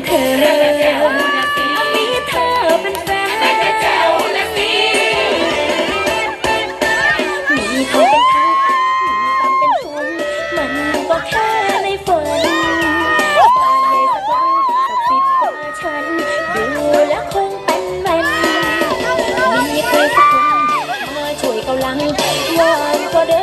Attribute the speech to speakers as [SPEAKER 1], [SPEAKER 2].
[SPEAKER 1] เธอมีเธอเป็นแฟนมีเขาเป็นทั้งมีตังเป็นทุนมันก็แค่ในฝันบ้านในสักหลังสัก10 กว่าชั้นดูแล้วคงเป็นมันมีใครสักคนมาช่วยกำลังวอนก็เดิ